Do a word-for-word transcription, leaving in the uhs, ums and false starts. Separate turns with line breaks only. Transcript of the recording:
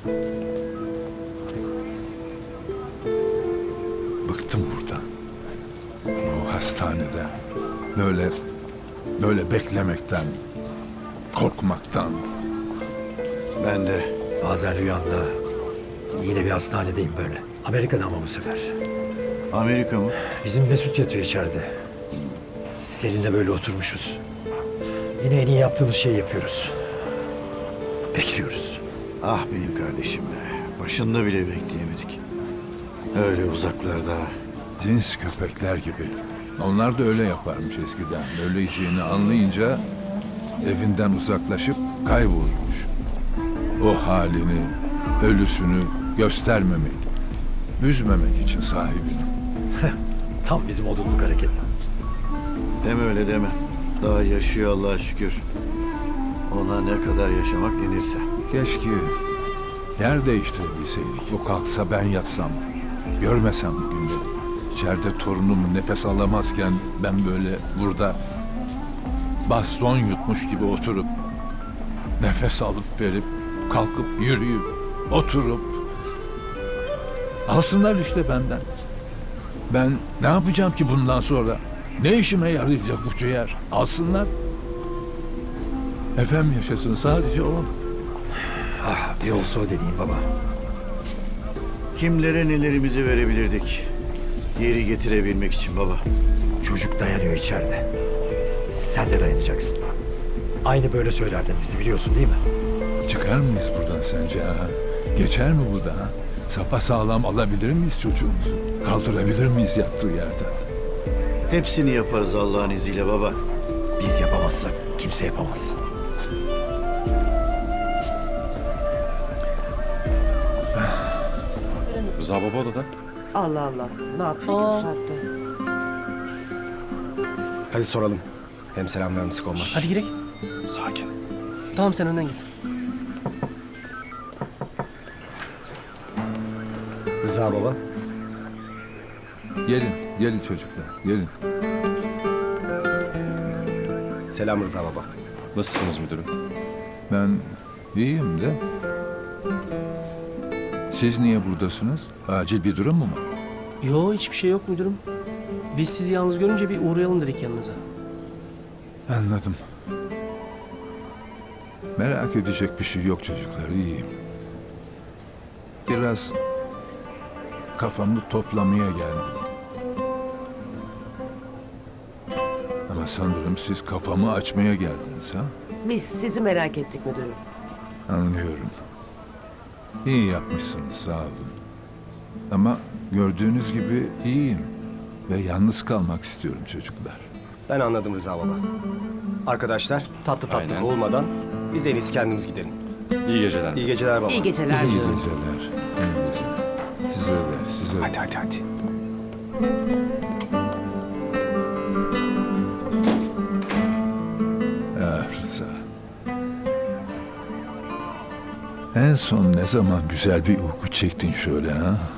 Bıktım buradan. Bu hastanede. Böyle, böyle beklemekten, korkmaktan.
Ben de.
Bazen rüyamda yine bir hastanedeyim böyle. Amerika'da ama bu sefer.
Amerika mı?
Bizim Mesut yatıyor içeride. Selin'le böyle oturmuşuz. Yine en iyi yaptığımız şeyi yapıyoruz. Bekliyoruz.
Ah benim kardeşim be. Başında bile bekleyemedik. Öyle uzaklarda.
Cins köpekler gibi. Onlar da öyle yaparmış eskiden. Öleceğini anlayınca evinden uzaklaşıp kaybolurmuş. O halini, ölüsünü göstermemek, üzmemek için sahibini.
Tam bizim odunluk hareket.
Deme öyle deme. Daha yaşıyor Allah'a şükür. Ona ne kadar yaşamak denirse.
Keşke yer değiştirebilseydik. O kalksa ben yatsam, görmesem bu günleri. İçeride torunum nefes alamazken ben böyle burada baston yutmuş gibi oturup nefes alıp verip kalkıp yürüyüp oturup alsınlar işte benden. Ben ne yapacağım ki bundan sonra? Ne işime yarayacak bu ciğer? Alsınlar. Efem yaşasın sadece o.
Ah bir olsa o dediğim baba.
Kimlere nelerimizi verebilirdik? Geri getirebilmek için baba.
Çocuk dayanıyor içeride. Sen de dayanacaksın. Aynı böyle söylerdin bizi biliyorsun değil mi?
Çıkar mıyız buradan sence ha? Geçer mi bu da ha? Sapasağlam alabilir miyiz çocuğumuzu? Kaldırabilir miyiz yattığı yerden?
Hepsini yaparız Allah'ın izniyle baba.
Biz yapamazsak kimse yapamaz.
Rıza baba odada.
Allah Allah. Ne yapıyor ki bu saatte?
Hadi soralım. Hem selam vermesek olmaz.
Hadi girek. Sakin. Tamam sen önden git.
Rıza baba.
Gelin, gelin çocuklar, gelin.
Selam Rıza baba.
Nasılsınız müdürüm?
Ben iyiyim de. Siz niye buradasınız? Acil bir durum mu var?
Yo hiçbir şey yok müdürüm. Biz sizi yalnız görünce bir uğrayalım dedik yanınıza.
Anladım. Merak edecek bir şey yok çocuklar, iyiyim. Biraz kafamı toplamaya geldim. Ama sanırım siz kafamı açmaya geldiniz ha?
Biz sizi merak ettik müdürüm.
Anlıyorum. İyi yapmışsınız, sağ olun. Ama gördüğünüz gibi iyiyim. Ve yalnız kalmak istiyorum çocuklar.
Ben anladım Rıza baba. Arkadaşlar tatlı tatlı
Aynen.
olmadan biz en iyisi kendimiz gidelim.
İyi geceler.
İyi geceler baba.
İyi geceler
İyi
canım.
geceler. İyi geceler. Size de, size de.
Hadi hadi hadi.
Ah Rıza. En son ne zaman güzel bir uyku çektin şöyle ha?